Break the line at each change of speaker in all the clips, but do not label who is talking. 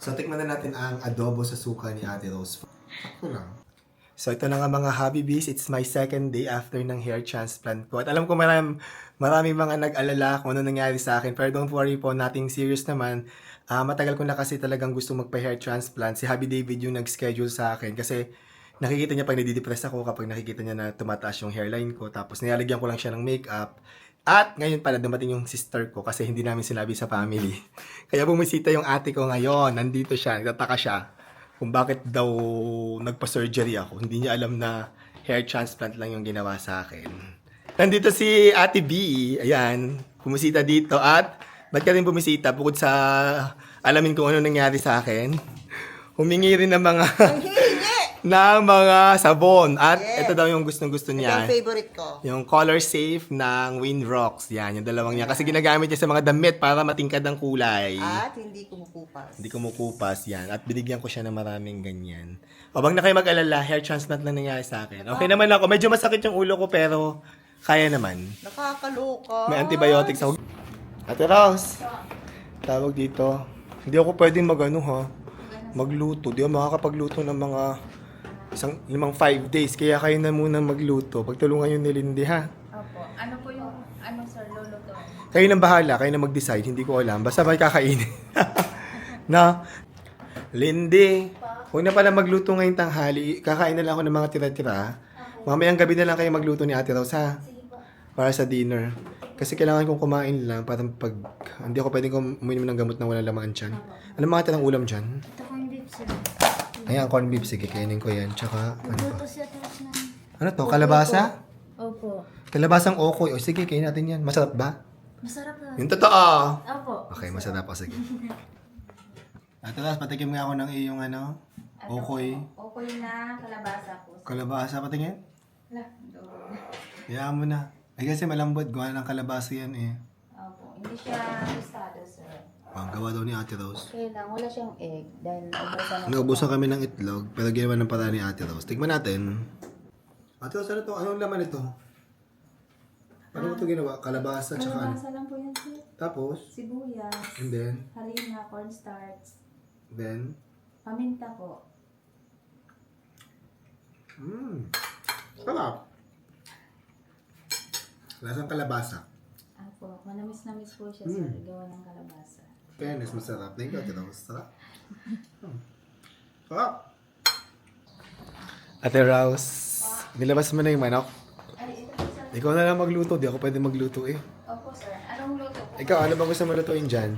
So, tikman na natin ang adobo sa suka ni Ate Rose. Ito lang. So, ito na nga mga Habibis. It's my second day after ng hair transplant ko. At alam ko maraming mga nag-alala kung ano nangyari sa akin. Pero don't worry po, nothing serious naman. Matagal ko na kasi talagang gusto magpa-hair transplant. Si Happy David yung nag-schedule sa akin. Kasi nakikita niya pag nadidepress ako kapag nakikita niya na tumataas yung hairline ko. Tapos nilalagyan ko lang siya ng makeup. At ngayon pala dumating yung sister ko kasi hindi namin sinabi sa family. Kaya bumisita yung ate ko ngayon. Nandito siya, nagtataka siya kung bakit daw nagpa-surgery ako. Hindi niya alam na hair transplant lang yung ginawa sa akin. Nandito si Ate B. Ayan, bumisita dito. At ba't ka rin bumisita? Bukod sa alamin kung ano nangyari sa akin, humingi rin ng mga ng mga sabon. At
Yes.
ito daw yung gustong-gusto
Ito
niya.
ang favorite ko.
Yung color safe ng Winrocks. Yan, yung dalawang niya. Kasi ginagamit niya sa mga damit para matingkad ang kulay.
At hindi kumukupas.
Hindi kumukupas yan. At binigyan ko siya ng maraming ganyan. O bang na kayo mag-alala, hair transplant lang nangyari sa akin. Okay naman ako. Medyo masakit yung ulo ko pero kaya naman.
Nakakaloka.
May antibiotics ako. Ate Rose, tawag dito. Hindi ako pwedeng magluto. Di ako makakapagluto ng mga 5 days. Kaya kayo na muna magluto. Pagtulungan yung ni Lindy, ha?
Opo. Ano po yung, sir, luluto?
Kayo nang bahala. Kayo na mag-decide. Hindi ko alam. Basta may kakainin. Na, Lindy, huwag na pala magluto ngayong tanghali. Kakain na lang ako ng mga tira-tira. Mamayang gabi na lang kayo magluto ni Ate Rose, ha? Para sa dinner. Kasi kailangan kong kumain lang para pag hindi ako pwedeng uminom ng gamot na walang laman dyan. Ano mga tirang ulam dyan?
Ito ko yung beef, sir.
Ayan, corned beef. Sige, kainin ko yan. Tsaka, ano pa?
Luto siya tapos na.
Ano to? Kalabasa?
Opo.
Kalabasang okoy. O sige, kainin natin yan. Masarap ba?
Masarap na.
Yung totoo.
Opo.
Okay, masarap. O sige. At tapos, patikim nga ako ng iyong okoy.
Okoy na kalabasa po.
Kalabasa, patingin?
Wala.
Hayaan mo na. Ay kasi malambot. Gawa ng kalabasa yan eh.
Opo. Hindi siya tostado, sir.
Ang gawa daw ni Ate Rose.
Okay lang. Wala siyang egg. Dahil naubusan na.
Naubusan kami ng itlog, pero ginawa ng paraan ni Ate Rose. Tignan natin. Ate Rose, ano to? Anong laman ito? Paano mo ito ginawa? Kalabasa, tsaka ano?
Kalabasa lang po yan, sir.
Tapos,
Sibuyas.
and then,
Harina, cornstarch.
then,
Paminta po.
sarap. Lasang kalabasa.
Opo. Manamis-namis po siya, sir. Gawa ng kalabasa.
Fairness, masarap. Thank you, Ate Rose. Sarap. Sarap. Ate Rose, nilabas mo na yung manok.
Ay, ito po, sir.
Ikaw na lang magluto. Di ako pwede magluto eh.
Opo, sir. Anong luto po?
Ikaw, ano ba gusto mo lutuin dyan?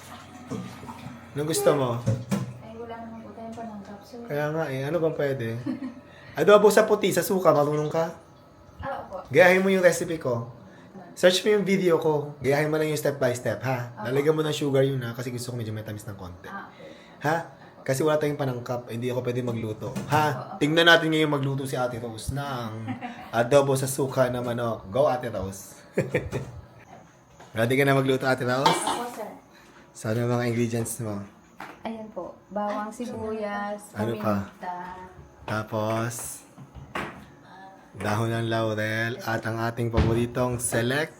Anong gusto mo?
Ay, wala naman po tayong panangkap, sir.
Kaya nga eh, ano bang pwede? Adobo sa puti, sa suka, marunong ka?
Opo.
Gayahin mo yung recipe ko. Search mo yung video ko. Gayahin mo lang yung step by step, ha? Lalagyan mo ng sugar yun, ha? Kasi gusto ko medyo may tamis ng konti.
Okay.
Ha? Kasi wala tayong panangkap, hindi ako pwede magluto. Ha? Tingnan natin ngayon magluto si Ate Rose ng adobo sa suka na manok. Go, Ate Rose. Ready ka na magluto, Ate Rose?
Opo, sir.
Saan ang mga ingredients mo?
Ayan po. Bawang sibuyas,
Ano pa?
paminta.
Tapos, dahon ng laurel at ang ating paboritong select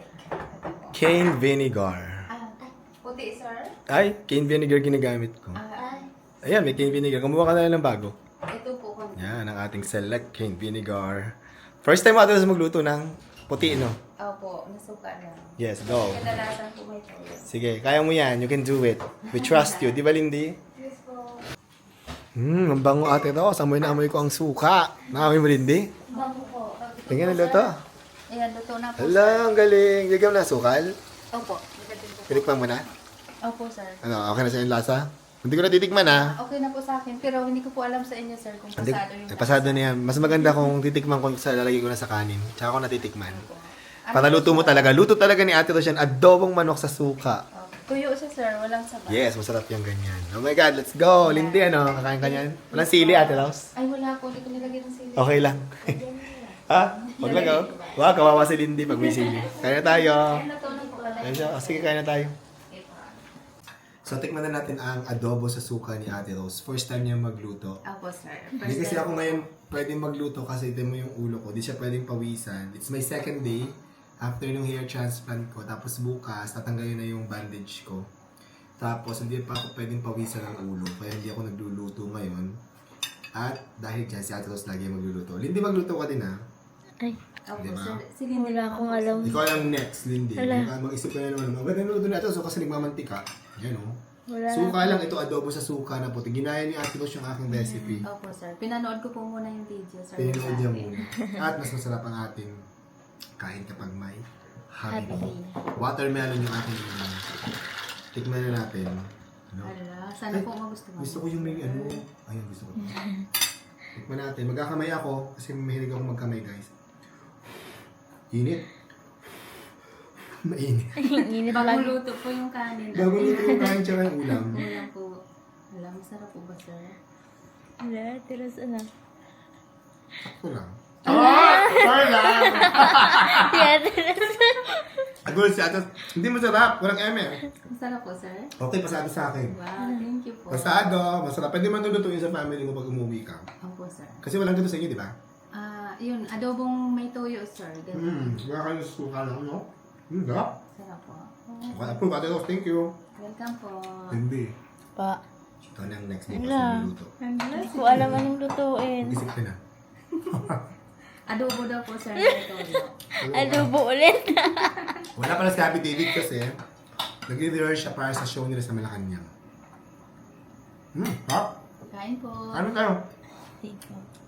cane vinegar.
Puti, sir.
Ay, cane vinegar ginagamit ko. Ayan, may cane vinegar. Kumuha ka na lang ng bago.
Ito po.
Yan, ang ating select cane vinegar. First time ako sa magluto ng puti, no?
Opo, nasuka na.
Yes, go.
Kadalasan po may toyo.
Sige, kaya mo yan. You can do it. We trust you. Di ba, Lindy?
Yes po.
Ang bango, Ate Rose. Amoy na amoy ko ang suka. Nakamoy mo, Lindy?
Bango po.
Tingnan ang luto.
Ayan, luto na po.
Hala, ang galing. Lagyan mo na sukal.
Opo. Nilagyan po.
Pinikpan mo na.
Opo, sir.
Ano, okay na sa yung lasa? Hindi ko natitikman, ha?
Okay na po sa akin. Pero hindi ko po alam sa inyo, sir, kung
Hindi,
pasado yung...
pasado na yan. Mas maganda kung titikman ko sa lalagay ko na sa kanin. Tsaka ko natitikman.
Ano
Para luto mo talaga. Luto talaga ni Ate Rose yan. Adobong manok sa suka.
Tuyo siya, sir. Walang sabaw.
Yes, masarap yung ganyan. Oh my God, let's go. Lindy, ano? Kakain ka yan? Walang sili, Ate Rose?
Ay, wala po. Hindi ko nilagyan ng sili.
Okay lang. Ha? Huwag lang, oh. Wow, kawawa si Lindy pag may sili. Kaya na tayo.
Ay, luto na po pala.
Kaya siya. Oh, sige, kaya na tayo. So, tikman na natin ang adobo sa suka ni Ate Rose. First time niya magluto.
Opo, sir.
Hindi kasi ako ngayon pwedeng magluto kasi ito mo yung ulo ko. Hindi siya pwedeng pawisan. It's my second day after yung hair transplant ko. Tapos bukas, tatanggalin na yung bandage ko. Tapos, hindi pa ako pwedeng pawisan ng ulo. Kaya hindi ako nagluluto ngayon. At dahil dyan, si Ate Rose lagi magluluto. Lindy, magluto ka din ha.
Ay,
Opo,
Diba?
sir. Sige, wala
akong alam.
Ikaw ang next, Lindy. Mag-isip ka na naman. Maganda nuluto na ito. So, kasi nagmamantika. Yan o.
wala na.
Suka lang. Ito, adobo sa suka na puti. Ginaya ni Ate Rose yung aking recipe.
Opo, sir. Pinanood ko po muna yung video, sir.
Pininood niya
sa atin.
muna. At mas masarap ang ating kain kapag may
Happy.
happy. Watermelon yung aking ilan. Tikman na natin. Ano?
Ala, sana
Ay,
po magustuhan.
Gusto ko yung may ano. Ayun, gusto ko. Tikman natin. Magkakamay ako kasi mahilig ako magkamay, guys. Init. Mainit.
Init
Bagong
lang.
luto po yung kanin.
Bago nito yung kain tsaka yung ulam.
Ulam po. Alam, masarap po ba, sir?
Wala, tiras ano.
Sakto lang. Sorry lang!
Yeah, tiras.
Agul si Atas. Hindi masarap. Walang eme.
Masarap po, sir?
Okay, pasado sa akin.
Wow, thank you po.
Pasado. Masarap. Pwede man lulutuin sa family mo pag umuwi ka.
Opo, sir.
Kasi walang ganito sa inyo, di ba?
Yun, adobong may toyo, sir. Ganun.
Wala kayo suka lang, no? Sarap.
Sarap po.
Okay, approve. Ate Rose, thank you.
Welcome po.
Hindi.
Pa.
Ito na ang next bukas
Wala.
na luluto.
Hindi ko alam anong lutuin.
Mag-isip ka na.
Adobo daw po, sir, may toyo.
Adobo ulit.
Wala pala si Happy David kasi nag-rehearse siya para sa show nila sa Malacanang. Ha?
Kain po.
Ano tayo?
Thank you.